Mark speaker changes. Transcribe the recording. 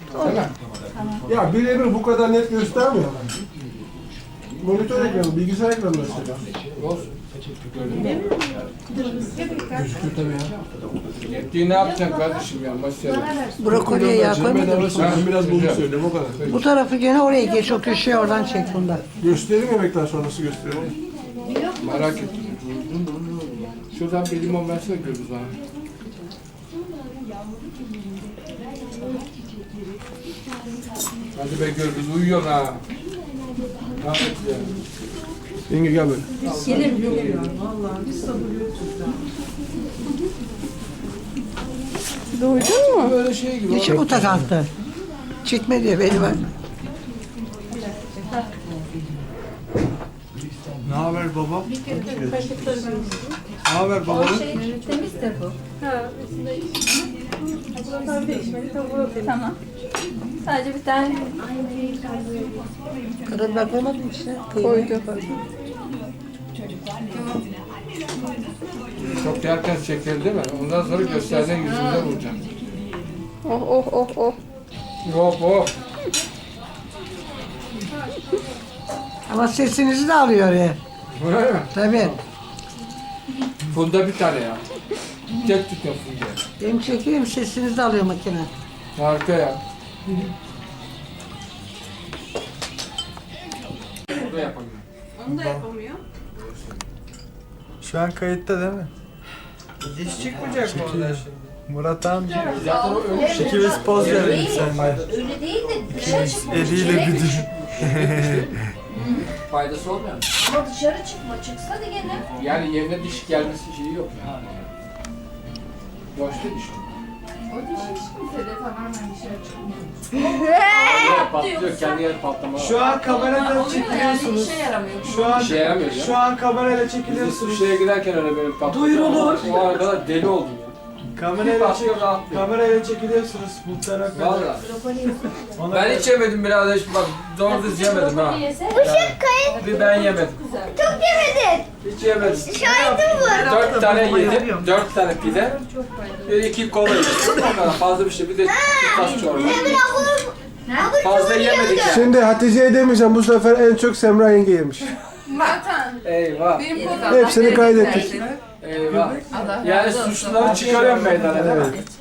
Speaker 1: Ya birebir bu kadar net göstermiyor. Monitör ekranı, bilgisayar ekranı mesela. Gözüküyor tabii ya.
Speaker 2: Yettiği ne yapacaksın kardeşim ya maşallah.
Speaker 3: Brokoliye yağ koymadın mı?
Speaker 1: Ben biraz bunu söyleyeyim o kadar.
Speaker 3: Bu tarafı gene oraya geç, o köşeye oradan çek bundan.
Speaker 1: Göstereyim yemekten sonrası göstereyim.
Speaker 2: Merak ettim. Şuradan bir limon versene Gürbüz bana. Hadi be Gürbüz uyuyorsun ha. Rahmet ya.
Speaker 1: Yenge gel böyle.
Speaker 4: Duydun mu?
Speaker 2: Böyle şey gibi.
Speaker 3: Geçik o takantı. Çekme diye beni var.
Speaker 1: Ne haber baba? Ne haber baba?
Speaker 5: Temiz de bu. Tamam. Sadece bir tane
Speaker 3: Karabiber koymadın mı içine?
Speaker 4: Koydu.
Speaker 2: Çok yerken şeker değil mi? Ondan sonra gösterdiğin yüzünde vuracaksın.
Speaker 4: Oh oh oh oh.
Speaker 2: Hop hop.
Speaker 3: Ama sesinizi de alıyor ya.
Speaker 2: Öyle mi?
Speaker 3: Tabii.
Speaker 2: Funda bir tane ya. Tek tutuyor Funda'ya.
Speaker 3: Hem çekiyor hem sesinizi de alıyor makine.
Speaker 2: Harika ya. Bu da yapamıyor.
Speaker 4: Onu da yapamıyor.
Speaker 6: Şu an kayıtta değil mi?
Speaker 7: Diş çıkmayacak mı oradan şimdi?
Speaker 6: Murat amca.
Speaker 2: Zaten o öyle şey.
Speaker 6: Şekil poz verelim seninle.
Speaker 5: öyle değil de dışarı çıkma.
Speaker 6: Eliyle bir düş.
Speaker 2: Faydası olmuyor mu?
Speaker 5: Ama dışarı çıkma. Çıksa da gene.
Speaker 2: Yani yerine diş gelmesi şeyi yok ya. Boşta diş.
Speaker 4: O diş hiç kimse de tamamen dışarı çıkmıyor.
Speaker 2: Patlıyor, kendi yer patlama.
Speaker 7: Şu an kameradan çekiliyorsunuz.
Speaker 4: İşe yaramıyor.
Speaker 7: Şu an
Speaker 2: İşe yaramıyor ya.
Speaker 7: şu an kamerayla
Speaker 2: Biz
Speaker 7: çekiliyorsunuz.
Speaker 2: Suşa'ya giderken öyle böyle patlıyor. Duyurulur. O ana kadar deli oldum ya.
Speaker 7: Kamerayla
Speaker 2: Patlıyor, rahatlıyor.
Speaker 7: kamerayla çekiliyorsunuz bu tarafa.
Speaker 2: Valla.
Speaker 7: Ona
Speaker 2: Ben hiç yemedim birader. Bak doğru düz yemedim ha. Bir ben yemedim.
Speaker 8: Çok yemedin.
Speaker 2: Hiç yemedim.
Speaker 8: Şahidim var.
Speaker 2: 4 tane yedim. 4 tane pide. Bir 2 kola yedim. O kadar fazla bir şey. Bir de bir tas çorba. Fazla yemedik yani.
Speaker 1: Şimdi Hatice'ye demeyeceğim bu sefer en çok Semra yenge yemiş.
Speaker 4: Zaten
Speaker 2: Eyvah.
Speaker 4: benim kodum.
Speaker 1: Hepsini kaydettik.
Speaker 2: Eyvah. Yani suçluları çıkarıyorum meydana değil mi?